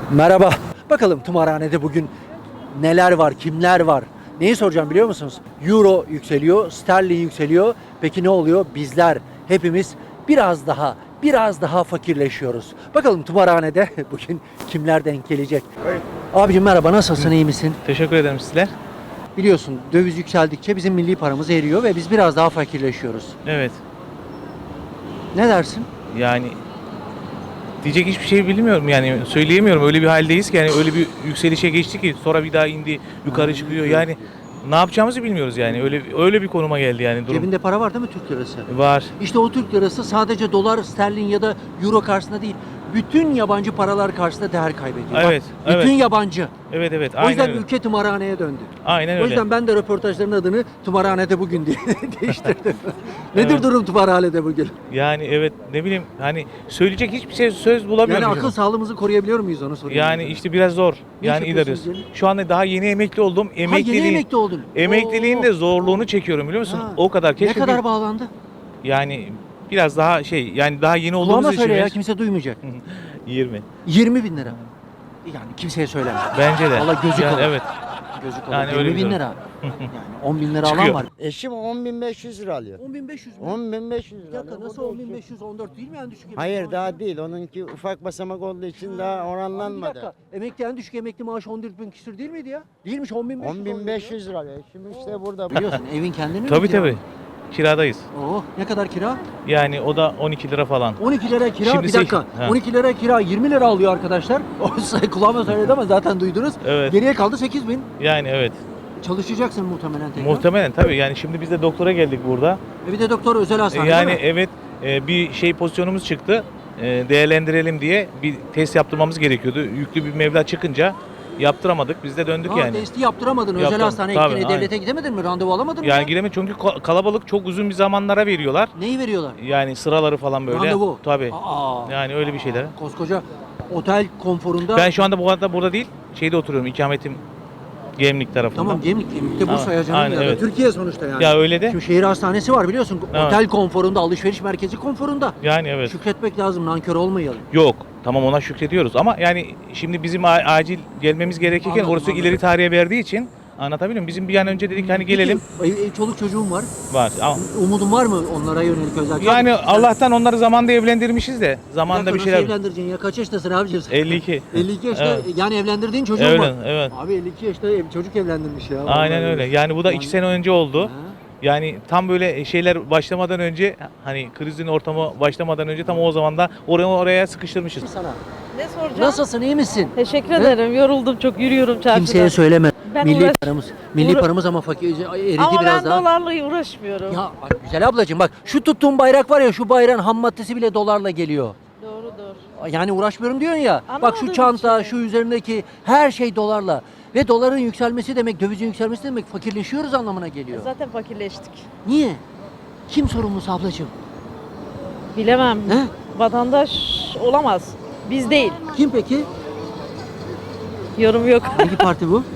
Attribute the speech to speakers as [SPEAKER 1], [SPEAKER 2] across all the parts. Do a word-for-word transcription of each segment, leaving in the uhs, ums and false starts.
[SPEAKER 1] Merhaba. Bakalım tımarhanede bugün neler var, kimler var? Neyi soracağım biliyor musunuz? Euro yükseliyor, sterlin yükseliyor. Peki ne oluyor? Bizler hepimiz biraz daha, biraz daha fakirleşiyoruz. Bakalım tımarhanede bugün kimler denk gelecek? Abicim merhaba, nasılsın, iyi misin?
[SPEAKER 2] Teşekkür ederim sizler.
[SPEAKER 1] Biliyorsun döviz yükseldikçe bizim milli paramız eriyor ve biz biraz daha fakirleşiyoruz.
[SPEAKER 2] Evet.
[SPEAKER 1] Ne dersin?
[SPEAKER 2] Yani diyecek hiçbir şey bilmiyorum yani söyleyemiyorum. Öyle bir haldeyiz ki yani öyle bir yükselişe geçti ki sonra bir daha indi, yukarı çıkıyor. Yani ne yapacağımızı bilmiyoruz yani. Öyle öyle bir konuma geldi yani durum.
[SPEAKER 1] Cebinde para var değil mi Türk lirası?
[SPEAKER 2] Var.
[SPEAKER 1] İşte o Türk lirası sadece dolar, sterlin ya da euro karşısında değil, bütün yabancı paralar karşısında değer kaybediyor.
[SPEAKER 2] Evet,
[SPEAKER 1] Bak, bütün
[SPEAKER 2] evet.
[SPEAKER 1] yabancı.
[SPEAKER 2] Evet evet.
[SPEAKER 1] O yüzden
[SPEAKER 2] Aynen öyle.
[SPEAKER 1] ülke tımarhaneye döndü.
[SPEAKER 2] Aynen
[SPEAKER 1] O
[SPEAKER 2] öyle.
[SPEAKER 1] yüzden ben de röportajların adını tımarhanede bugün diye değiştirdim. Nedir
[SPEAKER 2] Evet.
[SPEAKER 1] durum tımarhanede bugün?
[SPEAKER 2] Yani evet ne bileyim hani söyleyecek hiçbir şey söz bulamıyorum.
[SPEAKER 1] Yani akıl sağlığımızı koruyabiliyor muyuz onu soruyorum.
[SPEAKER 2] Yani işte biraz zor.
[SPEAKER 1] Ne
[SPEAKER 2] Yani
[SPEAKER 1] iş
[SPEAKER 2] idare
[SPEAKER 1] yapıyorsunuz
[SPEAKER 2] ediyoruz. Şu anda daha yeni emekli oldum.
[SPEAKER 1] Ha, yeni
[SPEAKER 2] Emekliliğin,
[SPEAKER 1] emekli oldun.
[SPEAKER 2] emekliliğin
[SPEAKER 1] Oo.
[SPEAKER 2] de zorluğunu çekiyorum biliyor musun?
[SPEAKER 1] Ha.
[SPEAKER 2] O kadar.
[SPEAKER 1] Ne
[SPEAKER 2] Keşke
[SPEAKER 1] kadar
[SPEAKER 2] bir-
[SPEAKER 1] bağlandı?
[SPEAKER 2] yani biraz daha şey yani daha yeni olduğumuz
[SPEAKER 1] Kulağıma
[SPEAKER 2] için
[SPEAKER 1] söyle ya,
[SPEAKER 2] biraz-
[SPEAKER 1] kimse duymayacak.
[SPEAKER 2] yirmi.
[SPEAKER 1] yirmi bin lira. Yani kimseye söyleme.
[SPEAKER 2] Bence de.
[SPEAKER 1] Valla gözü
[SPEAKER 2] Yani
[SPEAKER 1] kalır.
[SPEAKER 2] evet.
[SPEAKER 1] Gözü kalır.
[SPEAKER 2] Yani öyle
[SPEAKER 1] yirmi bin
[SPEAKER 2] bir
[SPEAKER 1] lira. Yani on bin lira alan
[SPEAKER 2] Çıkıyor.
[SPEAKER 1] var.
[SPEAKER 3] Eşim on bin beş yüz lira alıyor.
[SPEAKER 1] on bin beş yüz mü?
[SPEAKER 3] on bin beş yüz
[SPEAKER 1] Bir
[SPEAKER 3] lira.
[SPEAKER 1] dakika, nasıl on bin beş yüz on dört değil mi en düşük emekli
[SPEAKER 3] Hayır
[SPEAKER 1] maaşı?
[SPEAKER 3] daha değil. Onunki ufak basamak olduğu için daha
[SPEAKER 1] Abi bir
[SPEAKER 3] oranlanmadı.
[SPEAKER 1] dakika, emekli en düşük emekli maaşı on dört bin küsür değil miydi ya? Değilmiş, on bin beş yüz.
[SPEAKER 3] on bin beş yüz lira alıyor. Eşim işte burada.
[SPEAKER 1] Biliyorsun evin kendini mi?
[SPEAKER 2] Tabii
[SPEAKER 1] kira
[SPEAKER 2] tabii.
[SPEAKER 1] mı?
[SPEAKER 2] Kiradayız.
[SPEAKER 1] Oh, ne kadar kira?
[SPEAKER 2] Yani o da on iki lira falan.
[SPEAKER 1] on iki lira kira.
[SPEAKER 2] Şimdi
[SPEAKER 1] Bir
[SPEAKER 2] seç-
[SPEAKER 1] dakika.
[SPEAKER 2] Ha.
[SPEAKER 1] on iki lira kira yirmi lira alıyor arkadaşlar. O say- kulağıma söyledi ama zaten duydunuz.
[SPEAKER 2] Evet.
[SPEAKER 1] Geriye kaldı sekiz bin.
[SPEAKER 2] Yani evet.
[SPEAKER 1] Çalışacaksın muhtemelen tekrar.
[SPEAKER 2] Muhtemelen tabii yani şimdi biz de doktora geldik burada.
[SPEAKER 1] E bir de doktor özel
[SPEAKER 2] E,
[SPEAKER 1] hastane
[SPEAKER 2] Yani
[SPEAKER 1] değil mi?
[SPEAKER 2] evet e, bir şey pozisyonumuz çıktı. E, Değerlendirelim diye bir test yaptırmamız gerekiyordu. Yüklü bir meblağ çıkınca yaptıramadık. Biz de döndük
[SPEAKER 1] Ha,
[SPEAKER 2] yani.
[SPEAKER 1] testi yaptıramadın. Özel
[SPEAKER 2] Yaptım,
[SPEAKER 1] hastaneye
[SPEAKER 2] tabii,
[SPEAKER 1] gittin. E,
[SPEAKER 2] aynen.
[SPEAKER 1] devlete gidemedin mi? Randevu alamadın mı?
[SPEAKER 2] Yani
[SPEAKER 1] ya?
[SPEAKER 2] giremedik çünkü ko- kalabalık çok uzun bir zamanlara veriyorlar.
[SPEAKER 1] Neyi veriyorlar?
[SPEAKER 2] Yani sıraları falan böyle.
[SPEAKER 1] Randevu.
[SPEAKER 2] Tabii.
[SPEAKER 1] Aa.
[SPEAKER 2] Yani öyle bir şeyler.
[SPEAKER 1] Koskoca otel konforunda.
[SPEAKER 2] Ben şu anda bu arada burada değil, şeyde oturuyorum, ikametim Gemlik tarafında.
[SPEAKER 1] Tamam, Gemlik, Gemlik'te Bursa
[SPEAKER 2] Tamam,
[SPEAKER 1] ya canım
[SPEAKER 2] aynen,
[SPEAKER 1] ya.
[SPEAKER 2] evet.
[SPEAKER 1] Türkiye sonuçta yani.
[SPEAKER 2] Ya öyle de.
[SPEAKER 1] Şimdi şehir hastanesi var biliyorsun.
[SPEAKER 2] Evet.
[SPEAKER 1] Otel konforunda, alışveriş merkezi konforunda.
[SPEAKER 2] Yani evet.
[SPEAKER 1] Şükretmek lazım, nankör olmayalım.
[SPEAKER 2] Yok. Tamam ona şükrediyoruz ama yani şimdi bizim a- acil gelmemiz gerekirken
[SPEAKER 1] Anladım,
[SPEAKER 2] orası
[SPEAKER 1] anladım.
[SPEAKER 2] ileri tarihe verdiği için anlatabiliyor muyum? Bizim bir an önce dedik hani gelelim.
[SPEAKER 1] Peki, ev- ev- çoluk çocuğum var.
[SPEAKER 2] Var. Ama-
[SPEAKER 1] Umudun var mı onlara yönelik özel?
[SPEAKER 2] Yani
[SPEAKER 1] Tabii, sen-
[SPEAKER 2] Allah'tan onları zamanında evlendirmişiz de zamanında bir
[SPEAKER 1] dakika,
[SPEAKER 2] şeyler.
[SPEAKER 1] Nasıl evlendireceksin ya? Kaç yaştasın abicim sen?
[SPEAKER 2] elli iki.
[SPEAKER 1] elli iki yaşta
[SPEAKER 2] Evet.
[SPEAKER 1] yani evlendirdiğin çocuğun
[SPEAKER 2] Evet,
[SPEAKER 1] var.
[SPEAKER 2] evet.
[SPEAKER 1] Abi elli iki yaşta ev, çocuk evlendirmiş ya.
[SPEAKER 2] Aynen
[SPEAKER 1] Vallahi.
[SPEAKER 2] öyle. Yani bu da iki sene önce oldu.
[SPEAKER 1] Ha.
[SPEAKER 2] Yani tam böyle şeyler başlamadan önce hani krizin ortamı başlamadan önce tam o zaman da oraya oraya sıkıştırmışız.
[SPEAKER 1] Sana.
[SPEAKER 4] Ne soracağım?
[SPEAKER 1] Nasılsın, iyi misin?
[SPEAKER 4] Teşekkür
[SPEAKER 1] He?
[SPEAKER 4] ederim. Yoruldum çok, yürüyorum çarşıda.
[SPEAKER 1] Kimseye söyleme.
[SPEAKER 4] Ben
[SPEAKER 1] milli
[SPEAKER 4] uğraş-
[SPEAKER 1] paramız. Milli
[SPEAKER 4] uğra-
[SPEAKER 1] paramız ama fakir eridi
[SPEAKER 4] Ama
[SPEAKER 1] biraz
[SPEAKER 4] ben
[SPEAKER 1] daha.
[SPEAKER 4] dolarla uğraşmıyorum.
[SPEAKER 1] Ya bak güzel ablacığım, bak şu tuttuğum bayrak var ya, şu bayrağın ham maddesi bile dolarla geliyor.
[SPEAKER 4] Doğrudur.
[SPEAKER 1] Yani uğraşmıyorum diyorsun ya. Bak şu
[SPEAKER 4] Anlamadığım
[SPEAKER 1] çanta,
[SPEAKER 4] için.
[SPEAKER 1] şu üzerindeki her şey dolarla. Ve doların yükselmesi demek, dövizin yükselmesi demek fakirleşiyoruz anlamına geliyor.
[SPEAKER 4] Zaten fakirleştik.
[SPEAKER 1] Niye? Kim sorumlusu ablacığım?
[SPEAKER 4] Bilemem.
[SPEAKER 1] He?
[SPEAKER 4] Vatandaş olamaz. Biz değil.
[SPEAKER 1] Kim peki?
[SPEAKER 4] Yorum yok.
[SPEAKER 1] Hangi parti bu?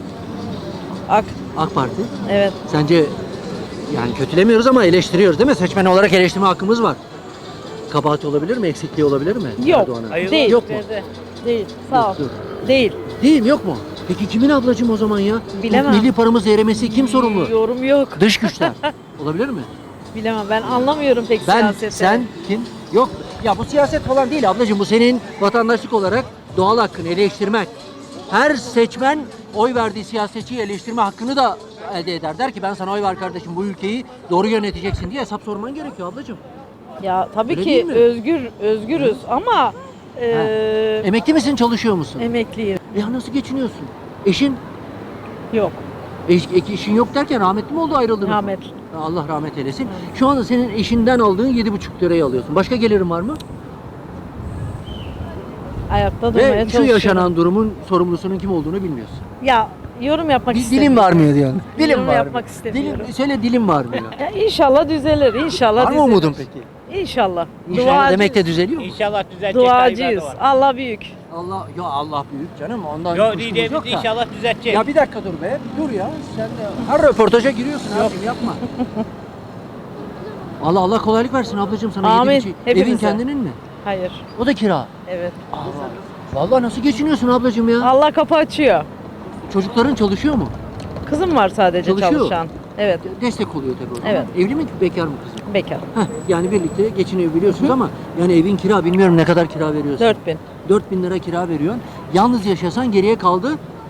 [SPEAKER 4] Ak.
[SPEAKER 1] AK Parti.
[SPEAKER 4] Evet.
[SPEAKER 1] Sence yani kötülemiyoruz ama eleştiriyoruz değil mi? Seçmen olarak eleştirme hakkımız var. Kabahati olabilir mi? Eksikliği olabilir mi?
[SPEAKER 4] Yok.
[SPEAKER 1] Erdoğan'ın?
[SPEAKER 2] Hayır.
[SPEAKER 4] Değil.
[SPEAKER 1] Yok mu?
[SPEAKER 4] Değil. Sağ ol.
[SPEAKER 1] Yok,
[SPEAKER 4] Değil.
[SPEAKER 1] Değil mi, yok mu? Peki kimin ablacığım o zaman ya? Bu
[SPEAKER 4] Bilemem.
[SPEAKER 1] milli paramız erimesi kim sorumlu?
[SPEAKER 4] Yorum yok.
[SPEAKER 1] Dış güçler. Olabilir mi?
[SPEAKER 4] Bilemem. Ben anlamıyorum pek
[SPEAKER 1] Ben,
[SPEAKER 4] siyaseti.
[SPEAKER 1] sen, kim? Yok. Ya bu siyaset falan değil ablacığım. Bu senin vatandaşlık olarak doğal hakkın, eleştirmek. Her seçmen oy verdiği siyasetçiyi eleştirme hakkını da elde eder. Der ki ben sana oy ver kardeşim, bu ülkeyi doğru yöneteceksin diye hesap sorman gerekiyor ablacığım.
[SPEAKER 4] Ya tabii
[SPEAKER 1] Öyle değil
[SPEAKER 4] ki
[SPEAKER 1] mi?
[SPEAKER 4] özgür özgürüz ama eee
[SPEAKER 1] Emekli misin, çalışıyor musun?
[SPEAKER 4] emekliyim.
[SPEAKER 1] Ya nasıl geçiniyorsun? Eşin?
[SPEAKER 4] Yok.
[SPEAKER 1] Eş, eşin yok derken rahmetli mi oldu, ayrıldınız mı?
[SPEAKER 4] Rahmet.
[SPEAKER 1] Allah rahmet eylesin. Şu anda senin eşinden aldığın yedi buçuk lirayı alıyorsun. Başka gelirin var mı?
[SPEAKER 4] Ayakta durmaya
[SPEAKER 1] Ve şu
[SPEAKER 4] çalışıyorum.
[SPEAKER 1] yaşanan durumun sorumlusunun kim olduğunu bilmiyorsun.
[SPEAKER 4] Ya yorum yapmak
[SPEAKER 1] Dil,
[SPEAKER 4] istemiyorum.
[SPEAKER 1] dilim varmıyor diyorsun. Dilim
[SPEAKER 4] Yorum
[SPEAKER 1] var.
[SPEAKER 4] yapmak istemiyorum.
[SPEAKER 1] Dilim, söyle dilim varmıyor.
[SPEAKER 4] Ya inşallah düzelir. İnşallah
[SPEAKER 1] Var mı
[SPEAKER 4] düzelir.
[SPEAKER 1] umudun peki?
[SPEAKER 4] İnşallah.
[SPEAKER 1] İnşallah
[SPEAKER 4] Duacıyız.
[SPEAKER 1] demek de düzeliyor mu?
[SPEAKER 5] İnşallah düzelecek.
[SPEAKER 4] Duacıyız. Allah büyük.
[SPEAKER 1] Allah, ya Allah büyük canım, ondan
[SPEAKER 5] Yok
[SPEAKER 1] kuşkumuz
[SPEAKER 5] diyeceğimiz
[SPEAKER 1] yok da.
[SPEAKER 5] inşallah düzelecek.
[SPEAKER 1] Ya bir dakika dur be, dur ya. Sen de her röportaja giriyorsun abicim, yapma. Allah Allah kolaylık versin ablacığım sana.
[SPEAKER 4] Amin.
[SPEAKER 1] Yedi buçuk-
[SPEAKER 4] Hepimize.
[SPEAKER 1] Evin kendinin mi?
[SPEAKER 4] Hayır.
[SPEAKER 1] O da kira.
[SPEAKER 4] Evet.
[SPEAKER 1] Allah. Vallahi nasıl geçiniyorsun ablacığım ya?
[SPEAKER 4] Allah kapı açıyor.
[SPEAKER 1] Çocukların çalışıyor mu?
[SPEAKER 4] Kızım var sadece
[SPEAKER 1] Çalışıyor.
[SPEAKER 4] çalışan. Evet,
[SPEAKER 1] Destek oluyor tabii o zaman.
[SPEAKER 4] Evet.
[SPEAKER 1] Evli mi bekar mı kızım?
[SPEAKER 4] bekar.
[SPEAKER 1] Heh, yani birlikte geçinebiliyorsunuz ama yani evin kira bilmiyorum ne kadar kira veriyorsun.
[SPEAKER 4] dört bin.
[SPEAKER 1] dört bin lira kira veriyorsun. Yalnız yaşasan geriye kaldı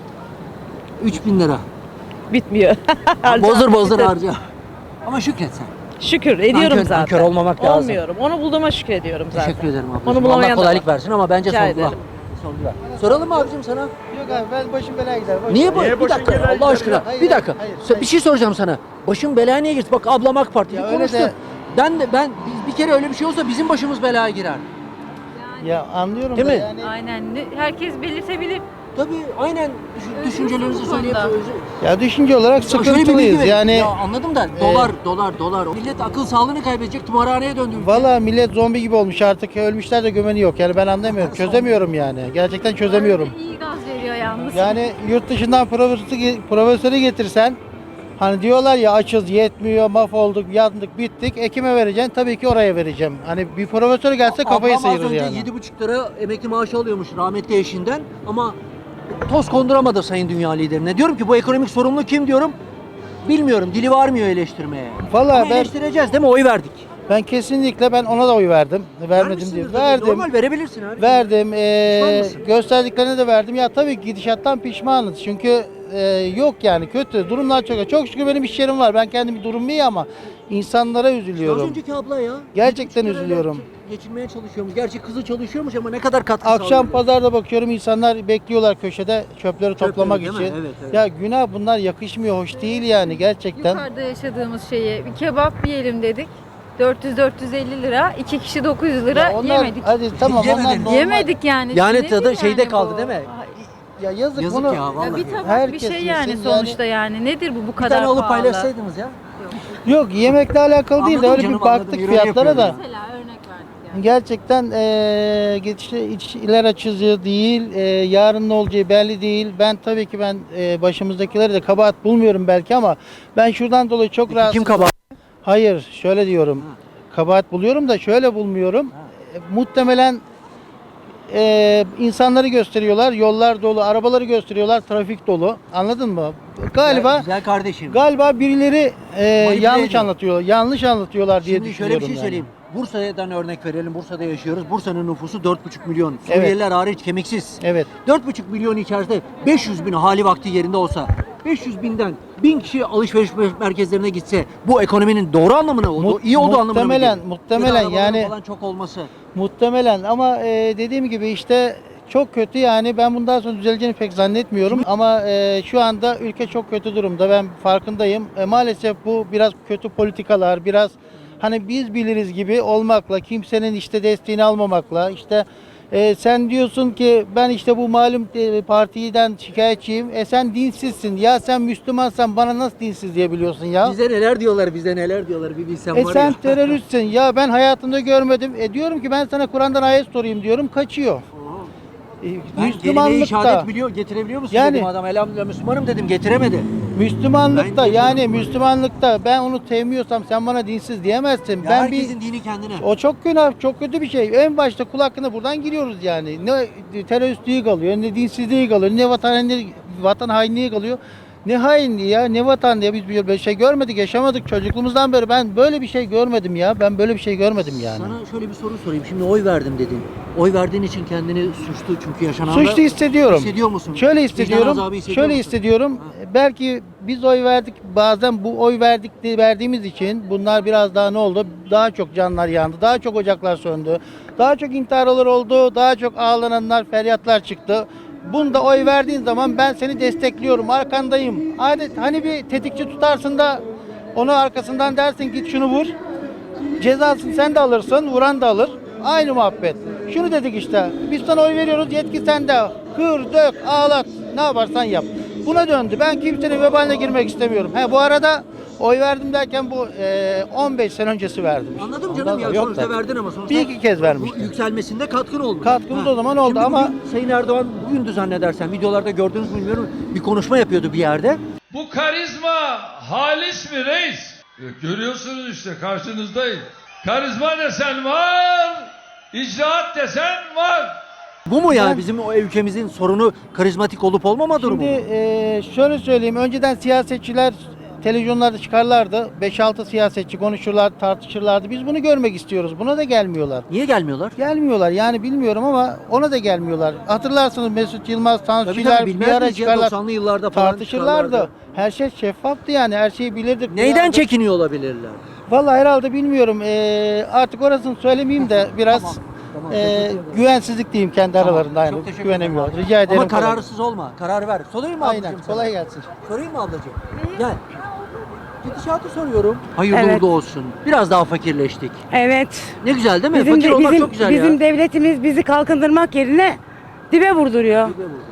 [SPEAKER 1] üç bin lira.
[SPEAKER 4] Bitmiyor.
[SPEAKER 1] bozdur bozdur
[SPEAKER 4] Bitir.
[SPEAKER 1] harca. Ama şükret sen.
[SPEAKER 4] Şükür ediyorum
[SPEAKER 1] Nankör-
[SPEAKER 4] zaten.
[SPEAKER 1] nankör olmamak lazım.
[SPEAKER 4] Olmuyorum. Onu bulduğuma şükrediyorum zaten.
[SPEAKER 1] Teşekkür ederim ablacığım.
[SPEAKER 4] Onu
[SPEAKER 1] Allah
[SPEAKER 4] bulamayan da
[SPEAKER 1] kolaylık
[SPEAKER 4] var.
[SPEAKER 1] versin ama bence
[SPEAKER 4] Rica
[SPEAKER 1] sorgula.
[SPEAKER 4] ederim.
[SPEAKER 1] Sorgula. Soralım mı abicim sana?
[SPEAKER 3] Yok abi ben başım belaya gider. boş
[SPEAKER 1] Niye bu?
[SPEAKER 3] ver.
[SPEAKER 1] Bir dakika Allah aşkına.
[SPEAKER 3] Hayır,
[SPEAKER 1] bir dakika.
[SPEAKER 3] hayır,
[SPEAKER 1] Sö- Bir şey soracağım sana. Başım belaya niye girdi? Bak ablam AK Partili
[SPEAKER 3] Ya öyle
[SPEAKER 1] konuştu.
[SPEAKER 3] de-
[SPEAKER 1] Ben de ben biz bir kere öyle bir şey olsa bizim başımız belaya girer.
[SPEAKER 3] Ya anlıyorum
[SPEAKER 1] Değil
[SPEAKER 3] da
[SPEAKER 1] mi?
[SPEAKER 3] yani.
[SPEAKER 5] Aynen. Ne- Herkes belirtebilir.
[SPEAKER 1] Tabii aynen düşün-
[SPEAKER 5] Özgürsün
[SPEAKER 1] düşüncelerinizi
[SPEAKER 5] bu
[SPEAKER 1] söyleyip
[SPEAKER 5] konuda.
[SPEAKER 3] Ya düşünce olarak
[SPEAKER 1] Ya şöyle bir bilgi
[SPEAKER 3] sıkıntılıyız
[SPEAKER 1] verin.
[SPEAKER 3] yani.
[SPEAKER 1] Ya anladım da dolar dolar dolar. Millet akıl sağlığını kaybedecek, tımarhaneye döndü. ülke.
[SPEAKER 3] Valla millet zombi gibi olmuş artık. Ölmüşler de gömeni yok. Yani ben anlamıyorum. Çözemiyorum yani. Gerçekten çözemiyorum.
[SPEAKER 5] İyi gaz veriyor yalnız.
[SPEAKER 3] Yani yurt dışından profesörü, profesörü getirsen hani diyorlar ya açız yetmiyor, mahvolduk, yandık, bittik. Ekime vereceksin. Tabii ki oraya vereceğim. Hani bir profesör gelse kafayı
[SPEAKER 1] Ablam az
[SPEAKER 3] sıyırır
[SPEAKER 1] önce
[SPEAKER 3] yani.
[SPEAKER 1] yedi buçuk lira emekli maaşı alıyormuş rahmetli eşinden ama toz konduramadı sayın dünya liderine. Diyorum ki bu ekonomik sorumlu kim diyorum. Bilmiyorum, dili varmıyor eleştirmeye.
[SPEAKER 3] Vallahi
[SPEAKER 1] Ama
[SPEAKER 3] ben-
[SPEAKER 1] eleştireceğiz değil mi? Oy verdik.
[SPEAKER 3] Ben kesinlikle ben ona da oy verdim. Vermedim
[SPEAKER 1] Vermişsindir
[SPEAKER 3] diye.
[SPEAKER 1] tabii.
[SPEAKER 3] Verdim.
[SPEAKER 1] Normal verebilirsin abi.
[SPEAKER 3] Verdim. Ee,
[SPEAKER 1] Pişman mısın?
[SPEAKER 3] gösterdiklerine de verdim. Ya tabii ki gidişattan pişmanız. Çünkü e, yok yani kötü. Durumlar çok. Çok şükür benim iş yerim var. Ben kendim durumum iyi ama insanlara
[SPEAKER 1] Az
[SPEAKER 3] üzülüyorum.
[SPEAKER 1] önceki abla ya.
[SPEAKER 3] Gerçekten
[SPEAKER 1] yedi buçuk lirayla
[SPEAKER 3] üzülüyorum.
[SPEAKER 1] Geçinmeye çalışıyormuş. Gerçi kızı çalışıyormuş ama ne kadar katkı
[SPEAKER 3] Akşam
[SPEAKER 1] sağlıyor?
[SPEAKER 3] pazarda bakıyorum insanlar bekliyorlar köşede çöpleri toplamak
[SPEAKER 1] değil
[SPEAKER 3] için.
[SPEAKER 1] mi? Evet, evet.
[SPEAKER 3] Ya günah bunlar yakışmıyor. Hoş değil yani gerçekten.
[SPEAKER 5] Yukarıda yaşadığımız şeyi bir kebap yiyelim dedik. dört yüz dört yüz elli lira, iki kişi dokuz yüz lira
[SPEAKER 3] Ya onlar,
[SPEAKER 5] yemedik.
[SPEAKER 3] hadi tamam onlar
[SPEAKER 1] Yemediniz.
[SPEAKER 3] normal.
[SPEAKER 5] Yemedik yani.
[SPEAKER 1] Yani
[SPEAKER 5] Nedir
[SPEAKER 1] tadı şeyde
[SPEAKER 5] bu?
[SPEAKER 1] kaldı değil mi?
[SPEAKER 5] Ay,
[SPEAKER 3] Ya yazık,
[SPEAKER 1] Yazık
[SPEAKER 3] bunu.
[SPEAKER 1] ya, vallahi.
[SPEAKER 5] Ya bir tabak bir
[SPEAKER 3] Herkes
[SPEAKER 5] şey yani
[SPEAKER 3] yesin
[SPEAKER 5] sonuçta yani. Nedir bu bu
[SPEAKER 1] Bir
[SPEAKER 5] kadar
[SPEAKER 1] tane alıp
[SPEAKER 5] pahalı?
[SPEAKER 1] paylaşsaydınız ya.
[SPEAKER 3] Yok yemekle alakalı değil de
[SPEAKER 1] Anladım
[SPEAKER 3] öyle
[SPEAKER 1] canım,
[SPEAKER 3] bir baktık
[SPEAKER 1] anladım. Euro
[SPEAKER 3] fiyatlara da.
[SPEAKER 1] yapıyorum
[SPEAKER 5] Mesela örnek verdik yani.
[SPEAKER 3] Gerçekten eee geçişte içler açıcı değil, eee, yarın ne olacağı belli değil. Ben tabii ki ben eee, başımızdakileri de kabahat bulmuyorum belki ama ben şuradan dolayı çok
[SPEAKER 1] Peki
[SPEAKER 3] rahatsız.
[SPEAKER 1] kim kabahat?
[SPEAKER 3] Hayır, şöyle diyorum. Kabahat buluyorum da şöyle bulmuyorum. E, muhtemelen eee, insanları gösteriyorlar, yollar dolu, arabaları gösteriyorlar, trafik dolu. Anladın mı? Galiba
[SPEAKER 1] Güzel kardeşim.
[SPEAKER 3] galiba birileri eee,
[SPEAKER 1] Manipüle
[SPEAKER 3] yanlış
[SPEAKER 1] ediyor.
[SPEAKER 3] anlatıyor, yanlış anlatıyorlar diye
[SPEAKER 1] Şimdi şöyle
[SPEAKER 3] düşünüyorum.
[SPEAKER 1] bir şey
[SPEAKER 3] yani.
[SPEAKER 1] söyleyeyim. Bursa'dan örnek verelim. Bursa'da yaşıyoruz. Bursa'nın nüfusu dört buçuk milyon. Suriyeliler hariç kemiksiz.
[SPEAKER 3] Evet.
[SPEAKER 1] dört buçuk milyon içerisinde beş yüz bin hali vakti yerinde olsa beş yüz binden bin kişi alışveriş merkezlerine gitse bu ekonominin doğru anlamına oldu.
[SPEAKER 3] Mu-
[SPEAKER 1] iyi olduğu anlamına mı
[SPEAKER 3] muhtemelen,
[SPEAKER 1] gelir?
[SPEAKER 3] muhtemelen
[SPEAKER 1] Ya da arabaların
[SPEAKER 3] yani-
[SPEAKER 1] falan çok olması.
[SPEAKER 3] Muhtemelen ama e, dediğim gibi işte çok kötü yani ben bundan sonra düzeleceğini pek zannetmiyorum ama e, şu anda ülke çok kötü durumda ben farkındayım. E, maalesef bu biraz kötü politikalar biraz hani biz biliriz gibi olmakla kimsenin işte desteğini almamakla işte e, sen diyorsun ki ben işte bu malum e, partiden şikayetçiyim. E sen dinsizsin. Ya sen Müslümansan bana nasıl dinsiz diyebiliyorsun ya?
[SPEAKER 1] Bize neler diyorlar, bize neler diyorlar bir bilsen
[SPEAKER 3] E
[SPEAKER 1] var
[SPEAKER 3] sen
[SPEAKER 1] ya.
[SPEAKER 3] teröristsin. Ya ben hayatımda görmedim. E diyorum ki ben sana Kur'an'dan ayet sorayım diyorum. Kaçıyor. E,
[SPEAKER 1] Ben kelime-i şehadet
[SPEAKER 3] Müslümanlıkta
[SPEAKER 1] biliyor, getirebiliyor musun
[SPEAKER 3] Yani-
[SPEAKER 1] dedim adam. Elhamdülillah Müslümanım dedim, getiremedi.
[SPEAKER 3] Müslümanlıkta
[SPEAKER 1] Ben
[SPEAKER 3] yani
[SPEAKER 1] getiriyorum.
[SPEAKER 3] Müslümanlıkta ben onu sevmiyorsam sen bana dinsiz diyemezsin.
[SPEAKER 1] Ya
[SPEAKER 3] ben bir
[SPEAKER 1] herkesin dini kendine.
[SPEAKER 3] o çok günah, çok kötü bir şey. En başta kul hakkına buradan giriyoruz yani. Ne teröristliği kalıyor, ne dinsizliği kalıyor, ne vatan, ne vatan hainliği kalıyor. Ne hainliği ya, ne vatan diye biz böyle şey görmedik, yaşamadık çocukluğumuzdan beri. Ben böyle bir şey görmedim ya. Ben böyle bir şey görmedim yani.
[SPEAKER 1] Sana şöyle bir soru sorayım. Şimdi oy verdim dedin. Oy verdiğin için kendini suçlu çünkü yaşananlar.
[SPEAKER 3] Suçlu hissediyorum.
[SPEAKER 1] Hissediyor musun?
[SPEAKER 3] Şöyle
[SPEAKER 1] Vicdan
[SPEAKER 3] hissediyorum.
[SPEAKER 1] azabı hissediyor
[SPEAKER 3] Şöyle
[SPEAKER 1] musun?
[SPEAKER 3] hissediyorum. Belki biz oy verdik. Bazen bu oy verdik diye verdiğimiz için bunlar biraz daha ne oldu? Daha çok canlar yandı. Daha çok ocaklar söndü. Daha çok intiharlar oldu. Daha çok ağlananlar, feryatlar çıktı. Bunda oy verdiğin zaman ben seni destekliyorum, arkandayım. Adet hani bir tetikçi tutarsın da onu arkasından dersin git şunu vur. Cezasını sen de alırsın, vuran da alır. Aynı muhabbet. Şunu dedik işte, biz sana oy veriyoruz, yetki sende. Kır, dök, ağlat, ne yaparsan yap. Buna döndü. Ben kimsenin vebaline girmek istemiyorum. He, bu arada oy verdim derken bu e, on beş sene öncesi verdim.
[SPEAKER 1] Anladım
[SPEAKER 3] Ondan
[SPEAKER 1] canım ya
[SPEAKER 3] sonra yok
[SPEAKER 1] sonuçta
[SPEAKER 3] da.
[SPEAKER 1] verdin ama sonuçta
[SPEAKER 3] Bir iki kez vermiştim.
[SPEAKER 1] bu yükselmesinde katkın oldu.
[SPEAKER 3] Katkımız o zaman oldu
[SPEAKER 1] Şimdi
[SPEAKER 3] ama-
[SPEAKER 1] bugün Sayın Erdoğan bugündü zannedersen videolarda gördünüz mü bilmiyorum bir konuşma yapıyordu bir yerde.
[SPEAKER 6] Bu karizma halis mi reis? E, Görüyorsunuz işte karşınızdayım. Karizma desen var, icraat desen var.
[SPEAKER 1] Bu mu yani
[SPEAKER 3] Ben-
[SPEAKER 1] bizim o ülkemizin sorunu karizmatik olup olmama durumu
[SPEAKER 3] Şimdi
[SPEAKER 1] mu?
[SPEAKER 3] e, şöyle söyleyeyim. Önceden siyasetçiler televizyonlarda çıkarlardı. beş altı siyasetçi konuşurlar, tartışırlardı. Biz bunu görmek istiyoruz. Buna da gelmiyorlar.
[SPEAKER 1] Niye gelmiyorlar?
[SPEAKER 3] Gelmiyorlar yani bilmiyorum ama ona da gelmiyorlar. Hatırlarsınız Mesut Yılmaz, Tansu
[SPEAKER 1] Tabii
[SPEAKER 3] Çiller
[SPEAKER 1] tabii
[SPEAKER 3] bir
[SPEAKER 1] bilmez
[SPEAKER 3] ara
[SPEAKER 1] miyiz ya
[SPEAKER 3] çıkarlar.
[SPEAKER 1] doksanlı yıllarda falan
[SPEAKER 3] Tartışırlardı.
[SPEAKER 1] çıkarlardı.
[SPEAKER 3] Her şey şeffaftı yani. Her şeyi bilirdik.
[SPEAKER 1] Neyden
[SPEAKER 3] duyardık.
[SPEAKER 1] çekiniyor olabilirler?
[SPEAKER 3] Vallahi herhalde bilmiyorum. Ee, artık orasını söylemeyeyim de biraz
[SPEAKER 1] Tamam, tamam,
[SPEAKER 3] ee,
[SPEAKER 1] teşekkür ederim.
[SPEAKER 3] güvensizlik diyeyim kendi
[SPEAKER 1] Tamam,
[SPEAKER 3] aralarında. Yani.
[SPEAKER 1] çok teşekkür
[SPEAKER 3] Güvenemiyorlar.
[SPEAKER 1] ederim.
[SPEAKER 3] Rica ederim.
[SPEAKER 1] Ama
[SPEAKER 3] kolay
[SPEAKER 1] kararsız olma. Karar ver. Sorayım mı
[SPEAKER 3] gelsin.
[SPEAKER 1] ablacığım
[SPEAKER 3] Aynen.
[SPEAKER 1] sana?
[SPEAKER 3] Kolay gelsin.
[SPEAKER 1] Sorayım mı ablacığım? Gel. Gidişatı soruyorum. Hayırlı
[SPEAKER 7] Evet.
[SPEAKER 1] uğurlu olsun. Biraz daha fakirleştik.
[SPEAKER 7] Evet.
[SPEAKER 1] Ne güzel değil mi?
[SPEAKER 7] Bizim,
[SPEAKER 1] Fakir
[SPEAKER 7] de-
[SPEAKER 1] olmak
[SPEAKER 7] bizim,
[SPEAKER 1] çok güzel
[SPEAKER 7] bizim
[SPEAKER 1] ya.
[SPEAKER 7] devletimiz bizi kalkındırmak yerine dibe vurduruyor.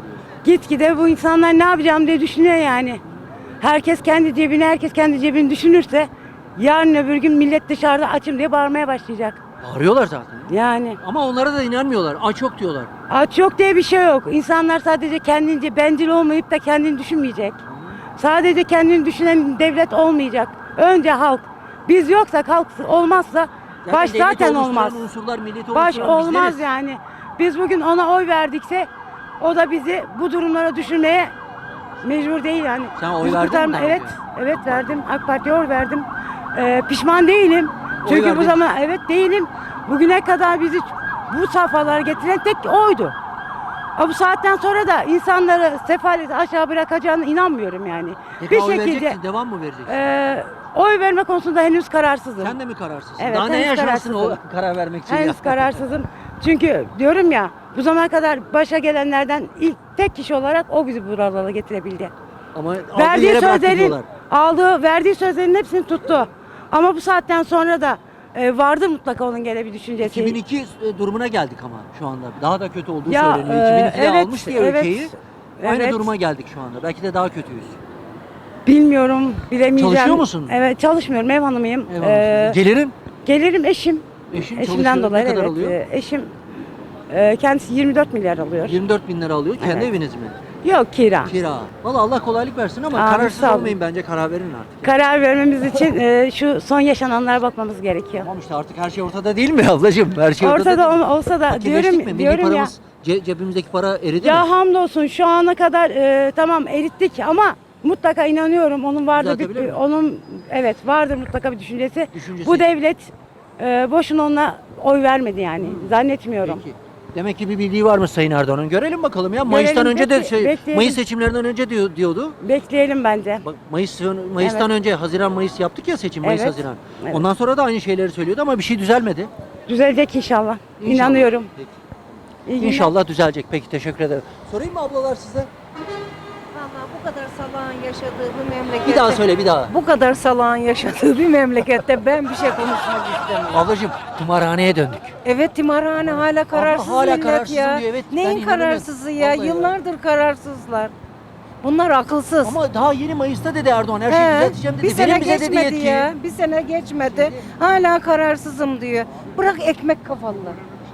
[SPEAKER 7] Gitgide bu insanlar ne yapacağım diye düşünüyor yani. Herkes kendi cebini, herkes kendi cebini düşünürse yarın öbür gün millet dışarıda açım diye bağırmaya başlayacak.
[SPEAKER 1] Bağırıyorlar zaten.
[SPEAKER 7] Yani
[SPEAKER 1] Ama onlara da inanmıyorlar. Aç yok diyorlar.
[SPEAKER 7] aç yok diye bir şey yok. İnsanlar sadece kendince bencil olmayıp da kendini düşünmeyecek. Sadece kendini düşünen devlet olmayacak. Önce halk. Biz yoksak halk olmazsa baş
[SPEAKER 1] devleti
[SPEAKER 7] zaten
[SPEAKER 1] oluşturan
[SPEAKER 7] olmaz.
[SPEAKER 1] Unsurlar, milleti
[SPEAKER 7] Baş
[SPEAKER 1] oluşturan
[SPEAKER 7] olmaz
[SPEAKER 1] bizleriz.
[SPEAKER 7] yani. Biz bugün ona oy verdikse o da bizi bu durumlara düşürmeye mecbur değil yani.
[SPEAKER 1] Sen oy
[SPEAKER 7] Biz
[SPEAKER 1] verdin mi
[SPEAKER 7] kurtarma-
[SPEAKER 1] daha
[SPEAKER 7] Evet,
[SPEAKER 1] önce?
[SPEAKER 7] evet verdim. AK Parti'ye oy verdim. Ee, pişman değilim.
[SPEAKER 1] Oy
[SPEAKER 7] Çünkü
[SPEAKER 1] verdin.
[SPEAKER 7] bu zaman evet değilim. Bugüne kadar bizi bu safhalara getiren tek oydu. Ama bu saatten sonra da insanları sefalete aşağı bırakacağına inanmıyorum yani.
[SPEAKER 1] Peki
[SPEAKER 7] bir
[SPEAKER 1] oy
[SPEAKER 7] şekilde
[SPEAKER 1] vereceksin, devam mı vereceksin?
[SPEAKER 7] e, oy verme konusunda henüz kararsızım.
[SPEAKER 1] Sen de mi kararsızsın?
[SPEAKER 7] Evet,
[SPEAKER 1] Daha ne
[SPEAKER 7] henüz
[SPEAKER 1] yaşarsın o
[SPEAKER 7] kararsızım.
[SPEAKER 1] karar vermek için ya?
[SPEAKER 7] Henüz kararsızım. Çünkü diyorum ya bu zamana kadar başa gelenlerden ilk tek kişi olarak o bizi buralara getirebildi.
[SPEAKER 1] Ama aldığı
[SPEAKER 7] Verdiği
[SPEAKER 1] yere bıraktı
[SPEAKER 7] sözlerin
[SPEAKER 1] diyorlar.
[SPEAKER 7] aldığı, verdiği sözlerin hepsini tuttu. Ama bu saatten sonra da e, vardı mutlaka onun gene bir düşüncesi.
[SPEAKER 1] iki bin iki e, durumuna geldik ama şu anda. Daha da kötü olduğu
[SPEAKER 7] Ya,
[SPEAKER 1] söyleniyor.
[SPEAKER 7] e,
[SPEAKER 1] iki bin ikide
[SPEAKER 7] evet,
[SPEAKER 1] almış diye
[SPEAKER 7] evet,
[SPEAKER 1] ülkeyi. Aynı
[SPEAKER 7] evet.
[SPEAKER 1] duruma geldik şu anda. Belki de daha kötüyüz.
[SPEAKER 7] Bilmiyorum, bilemeyeceğim.
[SPEAKER 1] Çalışıyor musun?
[SPEAKER 7] Evet, çalışmıyorum. Ev hanımıyım.
[SPEAKER 1] Eyvallah.
[SPEAKER 7] Ee,
[SPEAKER 1] Gelirim.
[SPEAKER 7] gelirim eşim.
[SPEAKER 1] Eşin
[SPEAKER 7] Eşimden
[SPEAKER 1] çalışıyor.
[SPEAKER 7] dolayı
[SPEAKER 1] Ne kadar
[SPEAKER 7] evet.
[SPEAKER 1] alıyor?
[SPEAKER 7] e, Eşim e, kendisi yirmi dört milyar alıyor.
[SPEAKER 1] yirmi dört bin lira alıyor. Kendi
[SPEAKER 7] Evet.
[SPEAKER 1] eviniz mi?
[SPEAKER 7] Yok kira.
[SPEAKER 1] Kira. Valla Allah kolaylık versin ama
[SPEAKER 7] Amin,
[SPEAKER 1] kararsız
[SPEAKER 7] sağ olun.
[SPEAKER 1] olmayın bence, karar verin artık.
[SPEAKER 7] Karar vermemiz için e, şu son yaşananlara bakmamız gerekiyor.
[SPEAKER 1] Tamam işte artık her şey ortada değil mi ablacığım? Her şey ortada,
[SPEAKER 7] Ortada
[SPEAKER 1] değil mi?
[SPEAKER 7] ol- olsa da
[SPEAKER 1] Fakirleştik
[SPEAKER 7] diyorum
[SPEAKER 1] mi? Milli
[SPEAKER 7] diyorum ya.
[SPEAKER 1] paramız, ce- cebimizdeki para eridi mi?
[SPEAKER 7] Ya hamdolsun şu ana kadar e, tamam erittik ama mutlaka inanıyorum onun vardır bir,
[SPEAKER 1] Düzeltebilir mi?
[SPEAKER 7] onun evet vardır mutlaka bir düşüncesi.
[SPEAKER 1] Düşüncesi.
[SPEAKER 7] Bu devlet e, boşuna ona oy vermedi yani zannetmiyorum.
[SPEAKER 1] Peki. Demek ki bir bildiği varmış Sayın Erdoğan'ın. Görelim bakalım ya. Mayıs'tan
[SPEAKER 7] Görelim,
[SPEAKER 1] önce de
[SPEAKER 7] bekle-
[SPEAKER 1] şey,
[SPEAKER 7] bekleyelim.
[SPEAKER 1] Mayıs seçimlerinden önce diyor, diyordu.
[SPEAKER 7] Bekleyelim bence.
[SPEAKER 1] Bak Mayıs Mayıs'tan
[SPEAKER 7] Evet.
[SPEAKER 1] önce Haziran Mayıs yaptık ya seçim Mayıs
[SPEAKER 7] Evet.
[SPEAKER 1] Haziran.
[SPEAKER 7] Evet.
[SPEAKER 1] Ondan sonra da aynı şeyleri söylüyordu ama bir şey düzelmedi.
[SPEAKER 7] Düzelecek inşallah.
[SPEAKER 1] İnşallah.
[SPEAKER 7] İnanıyorum.
[SPEAKER 1] Peki.
[SPEAKER 7] İyi günler.
[SPEAKER 1] İnşallah düzelecek. Peki teşekkür ederim. Sorayım mı ablalar size?
[SPEAKER 8] Vallahi bu kadar salağın yaşadığı bir memlekette.
[SPEAKER 1] Bir daha söyle bir daha.
[SPEAKER 8] Bu kadar salağın yaşadığı bir memlekette ben bir şey konuşmak istemiyorum.
[SPEAKER 1] Ablacığım tımarhaneye döndük.
[SPEAKER 8] Evet timarhane hala kararsız
[SPEAKER 1] hala
[SPEAKER 8] millet
[SPEAKER 1] kararsızım
[SPEAKER 8] ya.
[SPEAKER 1] diyor, evet. Ben
[SPEAKER 8] Neyin
[SPEAKER 1] inanamıyorum.
[SPEAKER 8] kararsızı ya?
[SPEAKER 1] Vallahi ya.
[SPEAKER 8] Yıllardır kararsızlar. Bunlar akılsız.
[SPEAKER 1] Ama daha yeni Mayıs'ta dedi Erdoğan her şeyi
[SPEAKER 8] He,
[SPEAKER 1] düzelteceğim dedi.
[SPEAKER 8] bir sene
[SPEAKER 1] Verin bize dedi
[SPEAKER 8] geçmedi
[SPEAKER 1] yetkiyi.
[SPEAKER 8] ya. Bir sene geçmedi. Hala kararsızım diyor. Bırak ekmek kafalılar.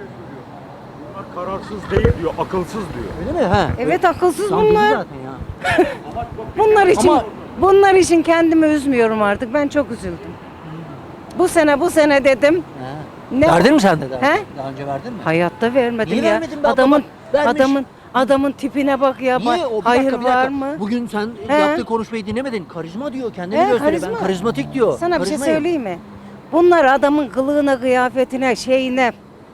[SPEAKER 9] Kararsız değil diyor, akılsız diyor.
[SPEAKER 1] Öyle mi? Ha.
[SPEAKER 8] Evet akılsız
[SPEAKER 1] Tam dedi
[SPEAKER 8] bunlar.
[SPEAKER 1] zaten ya.
[SPEAKER 8] Bunlar için
[SPEAKER 1] Ama-
[SPEAKER 8] bunlar için kendimi üzmüyorum artık. Ben çok üzüldüm. Bu sene bu sene dedim.
[SPEAKER 1] Ha.
[SPEAKER 8] Ne
[SPEAKER 1] Verdin mi sen de daha?
[SPEAKER 8] He?
[SPEAKER 1] Daha önce verdin mi?
[SPEAKER 8] Hayatta vermedim
[SPEAKER 1] Niye
[SPEAKER 8] ya.
[SPEAKER 1] vermedin be abla?
[SPEAKER 8] adamın
[SPEAKER 1] Bak, vermiş.
[SPEAKER 8] adamın adamın tipine bak ya.
[SPEAKER 1] Niye?
[SPEAKER 8] Bak,
[SPEAKER 1] O, bir
[SPEAKER 8] hayır
[SPEAKER 1] dakika, bir
[SPEAKER 8] var
[SPEAKER 1] dakika.
[SPEAKER 8] mı?
[SPEAKER 1] Bugün sen
[SPEAKER 8] He?
[SPEAKER 1] yaptığı konuşmayı dinlemedin. Karizma diyor. Kendini
[SPEAKER 8] He,
[SPEAKER 1] gösteriyor. Ben
[SPEAKER 8] karizma.
[SPEAKER 1] karizmatik diyor.
[SPEAKER 8] Sana bir şey
[SPEAKER 1] Karizmayım.
[SPEAKER 8] söyleyeyim mi? Bunlar adamın kılığına, kıyafetine, şeyine.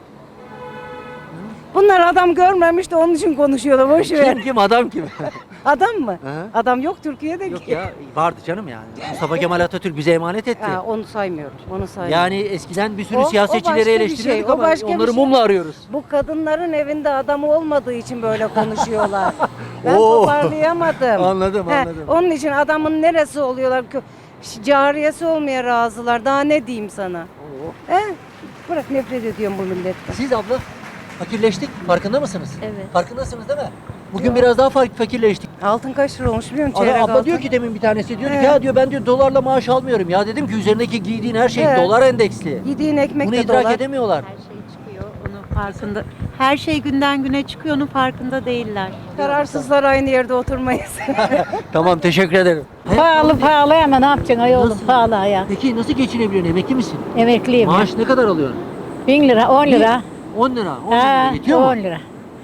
[SPEAKER 8] Bunlar adam görmemiş de onun için konuşuyorlar. Boş ver.
[SPEAKER 1] Kim kim adam kim?
[SPEAKER 8] Adam mı?
[SPEAKER 1] He?
[SPEAKER 8] Adam yok Türkiye'de
[SPEAKER 1] Yok
[SPEAKER 8] ki.
[SPEAKER 1] ya vardı canım yani. Mustafa Kemal Atatürk bize emanet etti.
[SPEAKER 8] Ha, onu saymıyorum. Onu saymıyorum.
[SPEAKER 1] Yani eskiden bir sürü
[SPEAKER 8] O- o başka
[SPEAKER 1] siyasetçileri
[SPEAKER 8] bir
[SPEAKER 1] eleştiriyorduk
[SPEAKER 8] şey, o
[SPEAKER 1] ama
[SPEAKER 8] başka bir
[SPEAKER 1] onları
[SPEAKER 8] şey.
[SPEAKER 1] mumla arıyoruz.
[SPEAKER 8] Bu kadınların evinde adamı olmadığı için böyle konuşuyorlar. ben
[SPEAKER 1] Oo.
[SPEAKER 8] toparlayamadım.
[SPEAKER 1] Anladım,
[SPEAKER 8] He,
[SPEAKER 1] anladım.
[SPEAKER 8] Onun için adamın neresi oluyorlar? Kö- Cariyesi olmaya razılar. Daha ne diyeyim sana? He? Bırak nefret ediyorum bu milletten.
[SPEAKER 1] Siz abla fakirleştik. Farkında mısınız?
[SPEAKER 5] Evet.
[SPEAKER 1] Farkındasınız değil mi? Bugün biraz daha fark fakirleştik.
[SPEAKER 8] Altın kaç lira olmuş biliyor musun?
[SPEAKER 1] Abla,
[SPEAKER 8] Çeyrek
[SPEAKER 1] abla
[SPEAKER 8] altın.
[SPEAKER 1] diyor ki demin bir tanesi diyor ki
[SPEAKER 8] He.
[SPEAKER 1] ya diyor ben diyor dolarla maaş almıyorum. Ya dedim ki üzerindeki giydiğin her şey
[SPEAKER 8] He.
[SPEAKER 1] dolar endeksli.
[SPEAKER 8] Yediğin ekmek
[SPEAKER 1] Bunu
[SPEAKER 8] de
[SPEAKER 1] idrak
[SPEAKER 8] dolar.
[SPEAKER 1] edemiyorlar.
[SPEAKER 10] Her şey çıkıyor, onun farkında. Her şey günden güne çıkıyor, onun farkında değiller.
[SPEAKER 8] Kararsızlar aynı yerde oturmayız.
[SPEAKER 1] Tamam teşekkür ederim.
[SPEAKER 11] Pahalı pahalı ama ne yapacaksın ay oğlum
[SPEAKER 1] Nasıl?
[SPEAKER 11] pahalı ya.
[SPEAKER 1] Peki nasıl geçinebiliyorsun? Emekli misin?
[SPEAKER 11] Emekliyim.
[SPEAKER 1] Maaş ne kadar alıyorsun?
[SPEAKER 11] Bin lira on lira.
[SPEAKER 1] on lira. on
[SPEAKER 11] Ha,
[SPEAKER 1] lira yetiyor mu?
[SPEAKER 11] on lira.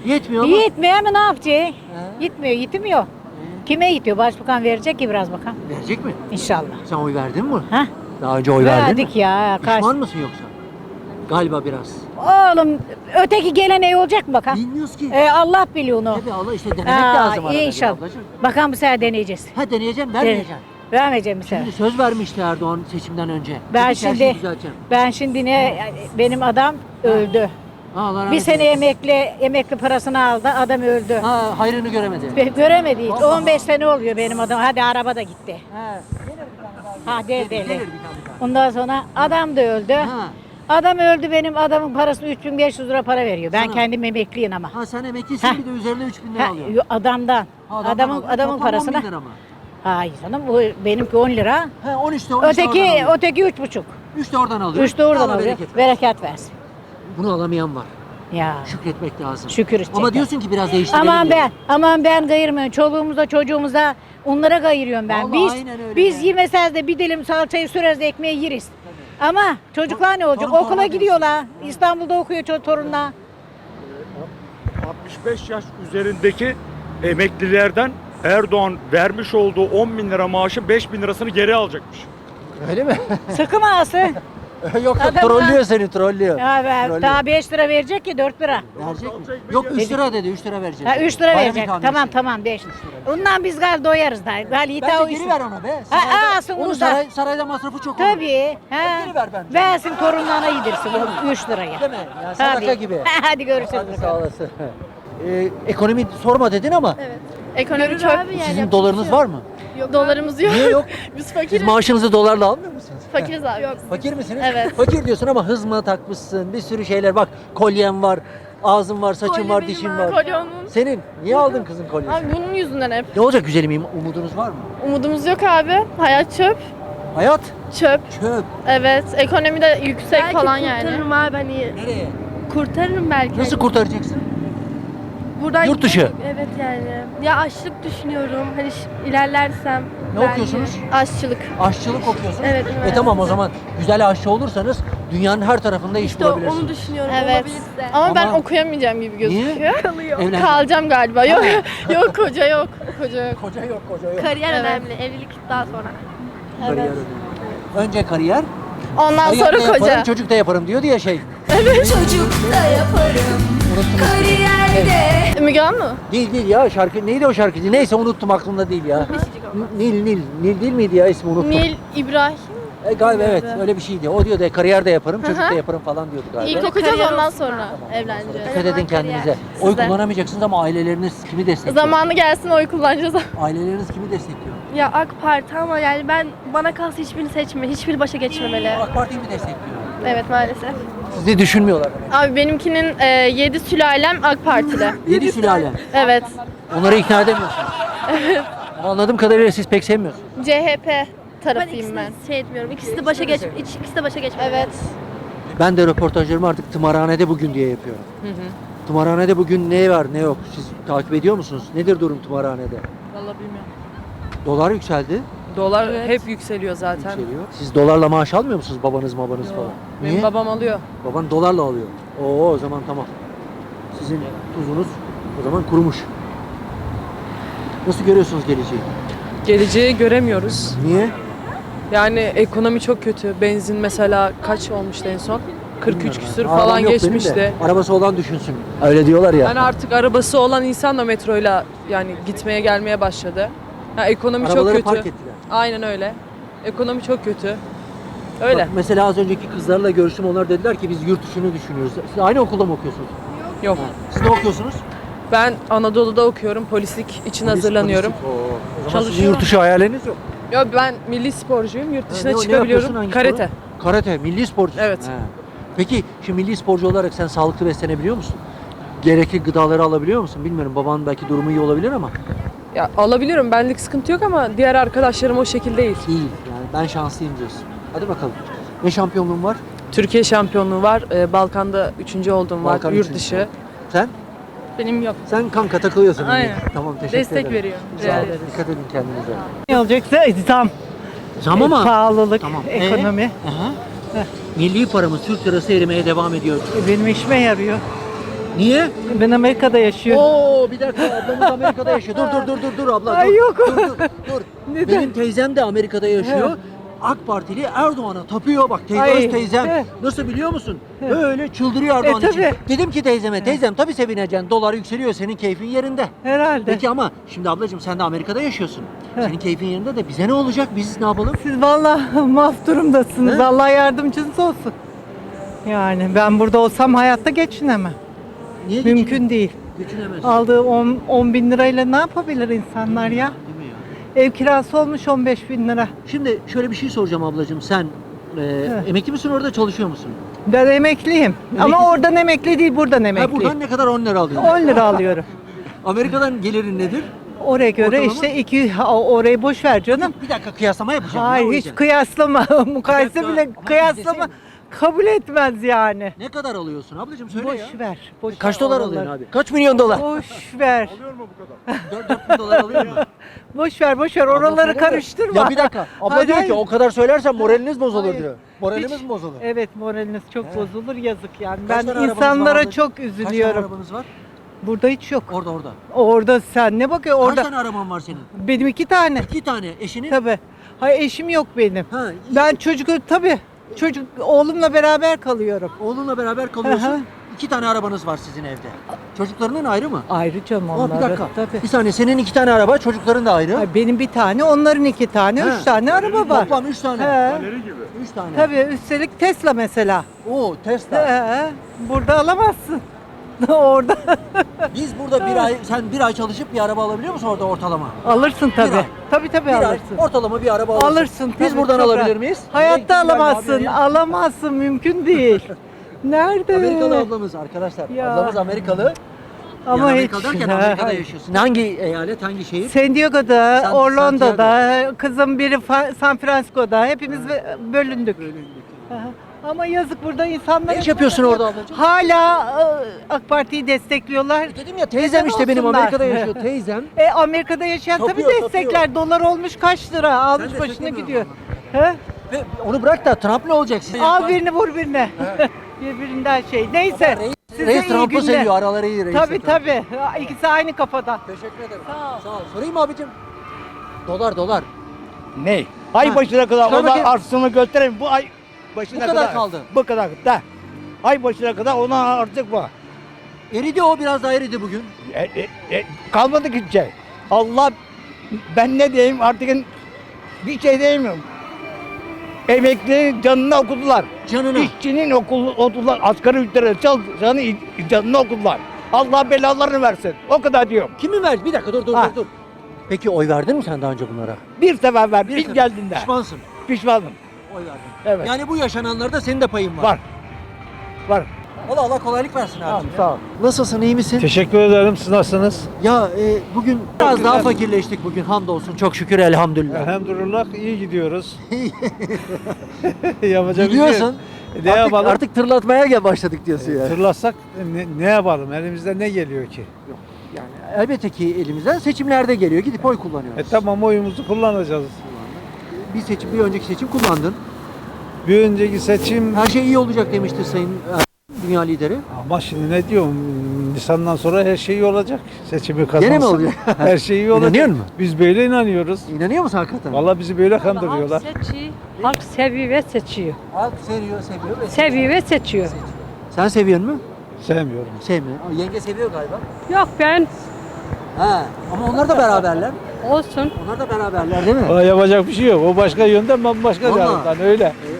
[SPEAKER 1] Yetmiyor ama.
[SPEAKER 11] Yetmiyor ama ne yapacak? Yetmiyor, yetmiyor. Kime yetiyor? Başbakan verecek ki biraz bakalım.
[SPEAKER 1] Verecek mi?
[SPEAKER 11] İnşallah.
[SPEAKER 1] Sen oy verdin mi?
[SPEAKER 11] Ha?
[SPEAKER 1] Daha önce oy verdin mi?
[SPEAKER 11] Verdik ya. Kaç...
[SPEAKER 1] Pişman mısın yoksa? Galiba biraz.
[SPEAKER 11] Oğlum öteki gelen iyi olacak mı bakalım?
[SPEAKER 1] Bilmiyoruz ki.
[SPEAKER 11] Ee, Allah biliyor onu.
[SPEAKER 1] Tabii Allah işte denemek
[SPEAKER 11] Aa,
[SPEAKER 1] lazım arada bir
[SPEAKER 11] İnşallah.
[SPEAKER 1] ablacığım.
[SPEAKER 11] Bakalım bu sefer deneyeceğiz.
[SPEAKER 1] Ha deneyeceğim, vermeyeceğim.
[SPEAKER 11] Vermeyeceğim bu sefer.
[SPEAKER 1] Şimdi söz vermişti Erdoğan seçimden önce.
[SPEAKER 11] Ben
[SPEAKER 1] Dedi ki, her şeyi
[SPEAKER 11] şimdi
[SPEAKER 1] düzelteceğim.
[SPEAKER 11] ben şimdi ne benim adam öldü.
[SPEAKER 1] Ha, Allah rahmet
[SPEAKER 11] Bir sene
[SPEAKER 1] eylesin.
[SPEAKER 11] emekli emekli parasını aldı. Adam öldü.
[SPEAKER 1] Ha, hayrını göremedi.
[SPEAKER 11] Be- Göremedi hiç.
[SPEAKER 1] Allah
[SPEAKER 11] on beş sene oluyor benim adam. Hadi araba da gitti.
[SPEAKER 1] Ha,
[SPEAKER 11] Ha değil değil.
[SPEAKER 1] gelir bir tane daha.
[SPEAKER 11] Ondan sonra adam da öldü.
[SPEAKER 1] Ha.
[SPEAKER 11] Adam öldü, benim adamın parasını üç bin beş yüz lira para veriyor. Ben
[SPEAKER 1] Sana.
[SPEAKER 11] kendim emekliyim ama.
[SPEAKER 1] Ha sen emeklisin
[SPEAKER 11] Ha.
[SPEAKER 1] bir de üzerine üç bin lira
[SPEAKER 11] Ha,
[SPEAKER 1] alıyorsun.
[SPEAKER 11] yo- adamdan.
[SPEAKER 1] Ha, adamdan
[SPEAKER 11] adamın
[SPEAKER 1] alıyorsun.
[SPEAKER 11] adamın
[SPEAKER 1] Toplam on
[SPEAKER 11] parasına.
[SPEAKER 1] bin lira mı?
[SPEAKER 11] Hayır canım, bu benimki on lira.
[SPEAKER 1] Ha on üçte on üçte oradan
[SPEAKER 11] Öteki
[SPEAKER 1] alıyor.
[SPEAKER 11] öteki üç buçuk.
[SPEAKER 1] Üç de oradan alıyor.
[SPEAKER 11] Üç de oradan
[SPEAKER 1] Allah
[SPEAKER 11] alıyor.
[SPEAKER 1] bereket versin.
[SPEAKER 11] Bereket versin.
[SPEAKER 1] Bunu alamayan var.
[SPEAKER 11] Ya.
[SPEAKER 1] Şükretmek lazım.
[SPEAKER 11] Şükür edecekler.
[SPEAKER 1] Ama diyorsun ki biraz değiştirelim.
[SPEAKER 11] Aman
[SPEAKER 1] diyor.
[SPEAKER 11] ben, aman ben kayırmıyorum. Çoluğumuza, çocuğumuza onlara kayırıyorum ben.
[SPEAKER 1] Vallahi
[SPEAKER 11] biz
[SPEAKER 1] aynen öyle
[SPEAKER 11] biz
[SPEAKER 1] be.
[SPEAKER 11] yemesez de bir dilim salçayı süreriz de ekmeği yeriz. Ama çocuklar ne olacak?
[SPEAKER 1] torun
[SPEAKER 11] Okula
[SPEAKER 1] toruna
[SPEAKER 11] gidiyorlar. İstanbul'da okuyor ço- torunlar.
[SPEAKER 9] altmış beş yaş üzerindeki emeklilerden Erdoğan vermiş olduğu on bin lira maaşı beş bin lirasını geri alacakmış.
[SPEAKER 1] Öyle mi?
[SPEAKER 11] Sıkı ağası.
[SPEAKER 1] yok yok
[SPEAKER 11] Adamlar-
[SPEAKER 1] trollüyor seni trollüyor.
[SPEAKER 11] Ya ben,
[SPEAKER 1] Trollüyor.
[SPEAKER 11] daha beş lira verecek ki dört lira.
[SPEAKER 1] Verecek mi? Yok üç lira dedi üç lira verecek.
[SPEAKER 11] Ha üç lira
[SPEAKER 1] Bayram
[SPEAKER 11] verecek.
[SPEAKER 1] ikramiyesi.
[SPEAKER 11] Tamam tamam beş. Ondan biz gal doyarız da. Gal yita o
[SPEAKER 1] Bence geri ver ona be.
[SPEAKER 11] Ha,
[SPEAKER 1] Sarayda,
[SPEAKER 11] alsın
[SPEAKER 1] onun
[SPEAKER 11] onu da.
[SPEAKER 1] saray, sarayda masrafı çok olur.
[SPEAKER 11] Tabii. Ha.
[SPEAKER 1] Geri ver bence.
[SPEAKER 11] Versin torunlarına yedirsin o üç liraya.
[SPEAKER 1] Değil mi? Ya sadaka
[SPEAKER 11] Tabii.
[SPEAKER 1] gibi.
[SPEAKER 11] Hadi görüşürüz.
[SPEAKER 1] Hadi sağ olasın. Ee, ekonomi sorma dedin ama
[SPEAKER 5] Evet. Ekonomi çok
[SPEAKER 1] sizin dolarınız var mı?
[SPEAKER 5] Dolarımız yok.
[SPEAKER 1] Niye yok?
[SPEAKER 5] Biz
[SPEAKER 1] Siz
[SPEAKER 5] fakiriz.
[SPEAKER 1] maaşınızı dolarla almıyor musunuz?
[SPEAKER 5] Fakiriz abi. Yok.
[SPEAKER 1] Fakir misiniz?
[SPEAKER 5] Evet.
[SPEAKER 1] Fakir diyorsun ama hız mı takmışsın? Bir sürü şeyler bak. Kolyen var, ağzın var, saçın
[SPEAKER 5] Kolye
[SPEAKER 1] var,
[SPEAKER 5] benim
[SPEAKER 1] dişin
[SPEAKER 5] abi.
[SPEAKER 1] var.
[SPEAKER 5] Kolye onun.
[SPEAKER 1] Senin. Niye aldın kızın kolyesini?
[SPEAKER 5] Abi bunun yüzünden hep.
[SPEAKER 1] Ne olacak güzelim? Umudunuz var mı?
[SPEAKER 5] Umudumuz yok abi. Hayat çöp.
[SPEAKER 1] Hayat
[SPEAKER 5] Çöp.
[SPEAKER 1] çöp.
[SPEAKER 5] Evet. Ekonomi de yüksek falan yani.
[SPEAKER 10] kurtarırım abi hani.
[SPEAKER 1] Nereye?
[SPEAKER 10] Kurtarırım belki.
[SPEAKER 1] Nasıl kurtaracaksın?
[SPEAKER 10] Buradan
[SPEAKER 1] Yurt dışı.
[SPEAKER 10] Evet yani. Ya açlık düşünüyorum. Hani ş- ilerlersem.
[SPEAKER 1] Ne
[SPEAKER 10] belki.
[SPEAKER 1] okuyorsunuz?
[SPEAKER 5] Aşçılık.
[SPEAKER 1] Aşçılık okuyorsunuz.
[SPEAKER 10] Evet,
[SPEAKER 1] E
[SPEAKER 10] üniversite.
[SPEAKER 1] tamam o zaman güzel aşçı olursanız dünyanın her tarafında iş
[SPEAKER 10] İşte
[SPEAKER 1] bulabilirsiniz.
[SPEAKER 10] onu düşünüyorum.
[SPEAKER 5] Evet.
[SPEAKER 10] Olabilirse.
[SPEAKER 5] Ama, ben
[SPEAKER 1] Ama-
[SPEAKER 5] okuyamayacağım gibi gözüküyor.
[SPEAKER 1] Niye? Evlen.
[SPEAKER 5] Kalacağım galiba. Yok yok koca yok. Koca yok.
[SPEAKER 1] Koca yok, koca yok.
[SPEAKER 10] Kariyer
[SPEAKER 5] Evet.
[SPEAKER 10] önemli. Evlilik daha sonra.
[SPEAKER 1] Kariyer önemli. Önce kariyer,
[SPEAKER 5] Ondan
[SPEAKER 1] kariyer
[SPEAKER 5] sonra
[SPEAKER 1] de yaparım,
[SPEAKER 5] koca.
[SPEAKER 1] çocuk da yaparım diyordu ya şey.
[SPEAKER 5] Çocuk da yaparım.
[SPEAKER 1] Unuttum.
[SPEAKER 5] Kariyerde. Müge Anlı.
[SPEAKER 1] Değil değil ya şarkı neydi o şarkıcı? Neyse unuttum aklımda değil ya. Nil Nil Nil değil miydi ya ismi unuttum.
[SPEAKER 5] Nil İbrahim.
[SPEAKER 1] E, galiba evet öyle bir şeydi. O diyordu e, kariyer de yaparım, çocuk
[SPEAKER 5] Hı hı.
[SPEAKER 1] da yaparım falan diyordu galiba.
[SPEAKER 5] İlk okuyacağız
[SPEAKER 10] Kariyer
[SPEAKER 5] ondan
[SPEAKER 10] olsun
[SPEAKER 5] sonra evleneceğiz.
[SPEAKER 1] Dikkat edin kendinize. Oy
[SPEAKER 5] Sizde.
[SPEAKER 1] kullanamayacaksınız ama aileleriniz kimi destekliyor?
[SPEAKER 5] Zamanı gelsin oy kullanacağız.
[SPEAKER 1] Aileleriniz kimi destekliyor?
[SPEAKER 10] Ya AK Parti ama yani ben bana kalsa hiçbirini seçme. Hiçbiri başa geçmemeli.
[SPEAKER 1] AK Parti'yi mi destekliyor?
[SPEAKER 5] Evet maalesef.
[SPEAKER 1] Sizi düşünmüyorlar demek.
[SPEAKER 5] Abi benimkinin e, yedi sülalem AK Partili.
[SPEAKER 1] Yedi sülale.
[SPEAKER 5] Evet.
[SPEAKER 1] Onları ikna edemiyorsunuz. Evet. Ama anladığım kadarıyla siz pek sevmiyorsunuz.
[SPEAKER 5] C H P
[SPEAKER 10] Ben
[SPEAKER 5] tarafıyım
[SPEAKER 10] ikisini
[SPEAKER 5] ben.
[SPEAKER 10] şey etmiyorum. İkisi de başa geç, ikisi de başa geçmemeli.
[SPEAKER 5] Evet.
[SPEAKER 1] Ben de röportajlarımı artık tımarhanede bugün diye yapıyorum. Tımarhanede bugün ne var ne yok siz takip ediyor musunuz? Nedir durum tımarhanede?
[SPEAKER 12] Vallahi bilmiyorum.
[SPEAKER 1] Dolar yükseldi.
[SPEAKER 12] Dolar hep yükseliyor zaten.
[SPEAKER 1] Yükseliyor. Siz dolarla maaş almıyor musunuz babanız babanız
[SPEAKER 12] Yok.
[SPEAKER 1] falan?
[SPEAKER 12] Benim
[SPEAKER 1] Niye?
[SPEAKER 12] babam alıyor.
[SPEAKER 1] Baban dolarla alıyor. Oo o zaman tamam. Sizin tuzunuz o zaman kurumuş. Nasıl görüyorsunuz geleceği?
[SPEAKER 12] Geleceği göremiyoruz.
[SPEAKER 1] Niye?
[SPEAKER 12] Yani ekonomi çok kötü. Benzin mesela kaç olmuştu en son? kırk üç
[SPEAKER 1] Bilmiyorum
[SPEAKER 12] küsür
[SPEAKER 1] ben. Arabam
[SPEAKER 12] falan
[SPEAKER 1] yok benim de.
[SPEAKER 12] geçmişti.
[SPEAKER 1] Arabası olan düşünsün. Öyle diyorlar ya.
[SPEAKER 12] Yani artık arabası olan insan da metroyla yani gitmeye gelmeye başladı. Ya ekonomi çok
[SPEAKER 1] Arabaları
[SPEAKER 12] kötü.
[SPEAKER 1] park ettiler.
[SPEAKER 12] Aynen öyle. Ekonomi çok kötü. Öyle.
[SPEAKER 1] Bak, mesela az önceki kızlarla görüştüm. Onlar dediler ki biz yurt dışını düşünüyoruz. Siz aynı okulda mı okuyorsunuz?
[SPEAKER 12] Yok.
[SPEAKER 1] Siz ne okuyorsunuz?
[SPEAKER 12] Ben Anadolu'da okuyorum. Polislik için
[SPEAKER 1] Polis-
[SPEAKER 12] hazırlanıyorum.
[SPEAKER 1] polislik. Oo. O zaman sizin
[SPEAKER 12] Çalışıyorum.
[SPEAKER 1] yurt dışı hayaliniz yok.
[SPEAKER 12] Yok ben milli sporcuyum. Yurt
[SPEAKER 1] Ha,
[SPEAKER 12] dışına
[SPEAKER 1] ne- ne
[SPEAKER 12] çıkabiliyorum.
[SPEAKER 1] yapıyorsun, hangi
[SPEAKER 12] Karate.
[SPEAKER 1] sporu? Karate, milli sporcu.
[SPEAKER 12] Evet.
[SPEAKER 1] Peki şimdi milli sporcu olarak sen sağlıklı beslenebiliyor musun? Gerekli gıdaları alabiliyor musun? Bilmiyorum babanın belki durumu iyi olabilir ama
[SPEAKER 12] Ya alabiliyorum. Benlik sıkıntı yok ama diğer arkadaşlarım o şekilde değil.
[SPEAKER 1] değil. Yani ben şanslıyım diyorsun. Hadi bakalım. Ne şampiyonluğun var?
[SPEAKER 12] Türkiye şampiyonluğu var. Ee, Balkan'da üçüncü olduğum var.
[SPEAKER 1] Balkan
[SPEAKER 12] Yurt
[SPEAKER 1] üçüncüsü.
[SPEAKER 12] dışı.
[SPEAKER 1] Sen?
[SPEAKER 12] Benim yok.
[SPEAKER 1] Sen kanka takılıyorsun.
[SPEAKER 12] Aynen.
[SPEAKER 1] Tamam teşekkür
[SPEAKER 12] Destek
[SPEAKER 1] ederim.
[SPEAKER 12] veriyorum.
[SPEAKER 1] Sağ
[SPEAKER 12] Rica
[SPEAKER 1] olun.
[SPEAKER 12] ederiz.
[SPEAKER 1] Dikkat edin kendinize.
[SPEAKER 3] Ne olacaksa zam,
[SPEAKER 1] Zam ama.
[SPEAKER 3] pahalılık,
[SPEAKER 1] Tamam.
[SPEAKER 3] ekonomi.
[SPEAKER 1] Ee? Aha. Milli paramız Türk lirası erimeye devam ediyor.
[SPEAKER 3] E, benim işime yarıyor.
[SPEAKER 1] Niye?
[SPEAKER 7] Ben Amerika'da yaşıyorum.
[SPEAKER 1] Oo bir dakika ablamız Amerika'da yaşıyor. Dur dur dur dur dur abla.
[SPEAKER 7] Ay,
[SPEAKER 1] dur,
[SPEAKER 7] yok.
[SPEAKER 1] Dur dur dur. Benim teyzem de Amerika'da yaşıyor. AK Partili Erdoğan'a tapıyor. Bak teyze
[SPEAKER 7] Ay,
[SPEAKER 1] öz teyzem.
[SPEAKER 7] he.
[SPEAKER 1] Nasıl biliyor musun? Böyle çıldırıyor Erdoğan
[SPEAKER 7] E,
[SPEAKER 1] için.
[SPEAKER 7] tabii.
[SPEAKER 1] Dedim ki teyzeme, teyzem tabii sevineceksin. Dolar yükseliyor, senin keyfin yerinde.
[SPEAKER 7] Herhalde.
[SPEAKER 1] Peki ama şimdi ablacığım sen de Amerika'da yaşıyorsun. Senin keyfin yerinde de bize ne olacak? Biz ne yapalım?
[SPEAKER 7] Siz vallahi maf durumdasınız.
[SPEAKER 1] He?
[SPEAKER 7] Allah yardımcınız olsun. Yani ben burada olsam hayatta geçinemem.
[SPEAKER 1] Niye
[SPEAKER 7] Mümkün değil.
[SPEAKER 1] Geçinemezsin.
[SPEAKER 7] Aldığı on bin lirayla ne yapabilir insanlar ya?
[SPEAKER 1] Değil mi ya?
[SPEAKER 7] Ev kirası olmuş on beş bin lira.
[SPEAKER 1] Şimdi şöyle bir şey soracağım ablacığım. Sen e, emekli misin orada çalışıyor musun?
[SPEAKER 7] Ben emekliyim. Ama
[SPEAKER 1] Emeklisin.
[SPEAKER 7] oradan emekli değil, buradan
[SPEAKER 1] Ha,
[SPEAKER 7] emekli.
[SPEAKER 1] buradan ne kadar on lira alıyorsun?
[SPEAKER 7] on lira alıyorum.
[SPEAKER 1] Amerika'dan gelirin nedir?
[SPEAKER 7] Oraya göre
[SPEAKER 1] Ortalama?
[SPEAKER 7] işte iki, ha, orayı boş ver canım.
[SPEAKER 1] Bir dakika kıyaslama yapacağım.
[SPEAKER 7] Hayır
[SPEAKER 1] ya, o
[SPEAKER 7] hiç
[SPEAKER 1] yüzden.
[SPEAKER 7] kıyaslama. Mukayese
[SPEAKER 1] dakika,
[SPEAKER 7] bile
[SPEAKER 1] ama
[SPEAKER 7] kıyaslama
[SPEAKER 1] izlesene.
[SPEAKER 7] kabul etmez yani.
[SPEAKER 1] Ne kadar alıyorsun ablacığım söyle
[SPEAKER 7] Boş
[SPEAKER 1] ya.
[SPEAKER 7] ver. Boş
[SPEAKER 1] Kaç
[SPEAKER 7] ver
[SPEAKER 1] dolar
[SPEAKER 7] oraları.
[SPEAKER 1] alıyorsun abi? Kaç milyon dolar?
[SPEAKER 7] Boş ver.
[SPEAKER 1] dört bin dolar alıyor mu?
[SPEAKER 7] Boş ver, boş ver.
[SPEAKER 1] Abla
[SPEAKER 7] Oraları
[SPEAKER 1] söyle de-
[SPEAKER 7] karıştırma.
[SPEAKER 1] Ya bir dakika. Abla
[SPEAKER 7] Hayır,
[SPEAKER 1] diyor ki
[SPEAKER 7] hayır.
[SPEAKER 1] o kadar söylersen moraliniz bozulur
[SPEAKER 7] Hayır.
[SPEAKER 1] diyor. Moralimiz
[SPEAKER 7] Hiç-
[SPEAKER 1] mi bozulur?
[SPEAKER 7] Evet, moraliniz çok
[SPEAKER 1] He.
[SPEAKER 7] bozulur, yazık yani.
[SPEAKER 1] Kaç
[SPEAKER 7] Ben
[SPEAKER 1] tane arabanız var
[SPEAKER 7] insanlara
[SPEAKER 1] ablacığım?
[SPEAKER 7] çok
[SPEAKER 1] Kaç tane
[SPEAKER 7] üzülüyorum.
[SPEAKER 1] arabanız var?
[SPEAKER 7] Burada hiç yok.
[SPEAKER 1] Orada orada.
[SPEAKER 7] Orada sen ne bakıyorsun?
[SPEAKER 1] Kaç
[SPEAKER 7] Orada
[SPEAKER 1] tane araban var senin?
[SPEAKER 7] benim iki tane.
[SPEAKER 1] İki tane. Eşinin?
[SPEAKER 7] Tabii. Hayır, eşim yok benim.
[SPEAKER 1] Ha,
[SPEAKER 7] Ben çocuk tabii. Çocuk oğlumla beraber kalıyorum.
[SPEAKER 1] oğlunla beraber kalıyorsun.
[SPEAKER 7] Hı hı.
[SPEAKER 1] İki tane arabanız var sizin evde. Çocuklarının ayrı mı?
[SPEAKER 7] Ayrı canım
[SPEAKER 1] Aa,
[SPEAKER 7] onları.
[SPEAKER 1] bir dakika.
[SPEAKER 7] Tabii.
[SPEAKER 1] Bir saniye senin iki tane araba, çocukların da ayrı.
[SPEAKER 7] Hayır, benim bir tane, onların iki tane,
[SPEAKER 1] He.
[SPEAKER 7] üç tane araba var.
[SPEAKER 1] Toplam üç tane.
[SPEAKER 7] He.
[SPEAKER 1] Üç tane.
[SPEAKER 7] Tabii, üstelik Tesla mesela.
[SPEAKER 1] Oo Tesla.
[SPEAKER 7] He. Burada alamazsın. Orada
[SPEAKER 1] Biz burada bir ay, sen bir ay çalışıp bir araba alabiliyor musun orada ortalama?
[SPEAKER 7] alırsın
[SPEAKER 1] Bir
[SPEAKER 7] tabii.
[SPEAKER 1] ay.
[SPEAKER 7] Tabii tabii
[SPEAKER 1] Bir ay
[SPEAKER 7] alırsın.
[SPEAKER 1] ortalama bir araba alırsın.
[SPEAKER 7] Alırsın
[SPEAKER 1] Biz
[SPEAKER 7] tabii,
[SPEAKER 1] buradan
[SPEAKER 7] çok
[SPEAKER 1] alabilir
[SPEAKER 7] rahat.
[SPEAKER 1] miyiz?
[SPEAKER 7] Hayatta
[SPEAKER 1] Renkli bir
[SPEAKER 7] alamazsın.
[SPEAKER 1] abi.
[SPEAKER 7] Alamazsın, mümkün değil. Nerede?
[SPEAKER 1] Amerikalı ablamız arkadaşlar.
[SPEAKER 7] Ya.
[SPEAKER 1] Ablamız Amerikalı.
[SPEAKER 7] Ama
[SPEAKER 1] yani
[SPEAKER 7] hiç.
[SPEAKER 1] Amerika'da derken
[SPEAKER 7] Ha,
[SPEAKER 1] Amerika'da
[SPEAKER 7] hayır.
[SPEAKER 1] yaşıyorsun. Hangi eyalet, hangi şehir?
[SPEAKER 7] San Diego'da,
[SPEAKER 1] San-
[SPEAKER 7] Orlando'da, kızım biri Fa- San Francisco'da. Hepimiz bölündük. Aha. Ama yazık burada insanlar.
[SPEAKER 1] Ne iş yapıyorsun orada ablacığım?
[SPEAKER 7] Hala e, AK Parti'yi destekliyorlar.
[SPEAKER 1] Dedim ya teyzem işte benim
[SPEAKER 7] olsunlar.
[SPEAKER 1] Amerika'da yaşıyor teyzem.
[SPEAKER 7] E Amerika'da yaşayan tabii
[SPEAKER 1] Tapıyor,
[SPEAKER 7] destekler. Dolar olmuş kaç lira? Almış başına
[SPEAKER 1] desteklemiyorsun
[SPEAKER 7] gidiyor. He?
[SPEAKER 1] Ve onu bırak da Trump ne olacak size?
[SPEAKER 7] Al birini vur birine. Birbirinden şey. Neyse.
[SPEAKER 1] Reis,
[SPEAKER 7] Size
[SPEAKER 1] reis
[SPEAKER 7] iyi
[SPEAKER 1] Trump'ı
[SPEAKER 7] günler.
[SPEAKER 1] seviyor. Araları iyi reis.
[SPEAKER 7] Tabii tabii. İkisi aynı kafadan.
[SPEAKER 1] Teşekkür ederim.
[SPEAKER 7] Sağ ol.
[SPEAKER 1] Sağ ol. Sorayım mı abicim? Dolar dolar.
[SPEAKER 13] Ne? Ay
[SPEAKER 1] Ha,
[SPEAKER 13] başına kadar
[SPEAKER 1] çıkar
[SPEAKER 13] ona
[SPEAKER 1] bakayım.
[SPEAKER 13] arsını göstereyim. Bu ay başına
[SPEAKER 1] Bu kadar kaldı.
[SPEAKER 13] Bu kadar da. Ay başına kadar ona artık bu.
[SPEAKER 1] Eridi o biraz daha eridi bugün.
[SPEAKER 13] E, e, e, kalmadı ki şey. Allah ben ne diyeyim artık bir şey diyemiyorum. Emeklinin canını okudular.
[SPEAKER 1] Canını.
[SPEAKER 13] İşçinin okulu okudular. Asgari ücretle çalışanı canını okudular. Allah belalarını versin. O kadar diyorum.
[SPEAKER 1] Kimi ver? Bir dakika dur dur
[SPEAKER 13] Ha.
[SPEAKER 1] dur dur. Peki oy verdin mi sen daha önce bunlara?
[SPEAKER 13] Bir sefer ver.
[SPEAKER 1] Bir
[SPEAKER 13] Bir
[SPEAKER 1] sefer.
[SPEAKER 13] geldiğinde.
[SPEAKER 1] Pişmansın.
[SPEAKER 13] Pişmanım.
[SPEAKER 1] Oy verdin.
[SPEAKER 13] Evet.
[SPEAKER 1] Yani bu yaşananlarda senin de payın var.
[SPEAKER 13] Var. Var.
[SPEAKER 1] Allah Allah kolaylık versin abi.
[SPEAKER 13] Tamam, sağ ol.
[SPEAKER 1] Nasılsın, iyi misin?
[SPEAKER 14] Teşekkür ederim. Siz nasılsınız?
[SPEAKER 1] Ya e, bugün biraz daha fakirleştik bugün hamdolsun. Çok şükür elhamdülillah.
[SPEAKER 14] Elhamdülillah iyi gidiyoruz. Yapacak bir şey yok.
[SPEAKER 1] Biliyorsun.
[SPEAKER 14] E, Ne
[SPEAKER 1] artık,
[SPEAKER 14] yapalım?
[SPEAKER 1] artık tırlatmaya gel başladık diyorsun yani.
[SPEAKER 14] Tırlatsak ne, ne yapalım? Elimizde ne geliyor ki?
[SPEAKER 1] Yani elbette ki elimizden seçimlerde geliyor. Gidip oy kullanıyoruz.
[SPEAKER 14] E tamam oyumuzu kullanacağız.
[SPEAKER 1] Bir seçim, bir önceki seçim kullandın.
[SPEAKER 14] Bir önceki seçim
[SPEAKER 1] Her şey iyi olacak demişti Sayın e, Dünya lideri.
[SPEAKER 14] ama şimdi ne diyorum? Nisan'dan sonra her şey iyi olacak. Seçimi kazansın.
[SPEAKER 1] Gene mi olacak?
[SPEAKER 14] Her şey iyi olacak.
[SPEAKER 1] İnanıyor musun?
[SPEAKER 14] Biz böyle inanıyoruz.
[SPEAKER 1] İnanıyor musun hakikaten?
[SPEAKER 14] Vallahi bizi böyle kandırıyorlar.
[SPEAKER 11] Halk seviyor ve seçiyor.
[SPEAKER 1] Halk seviyor, seviyor. ve-
[SPEAKER 11] Seviyor ve seçiyor.
[SPEAKER 1] Sen seviyor musun?
[SPEAKER 14] Sevmiyorum.
[SPEAKER 1] Sevmiyor. Ama yenge seviyor galiba.
[SPEAKER 11] Yok ben
[SPEAKER 1] Ha, ama onlar da beraberler.
[SPEAKER 11] olsun.
[SPEAKER 1] Onlar da beraberler değil mi?
[SPEAKER 14] Valla yapacak bir şey yok. O başka yönden ben başka
[SPEAKER 1] Vallahi.
[SPEAKER 14] yandan öyle.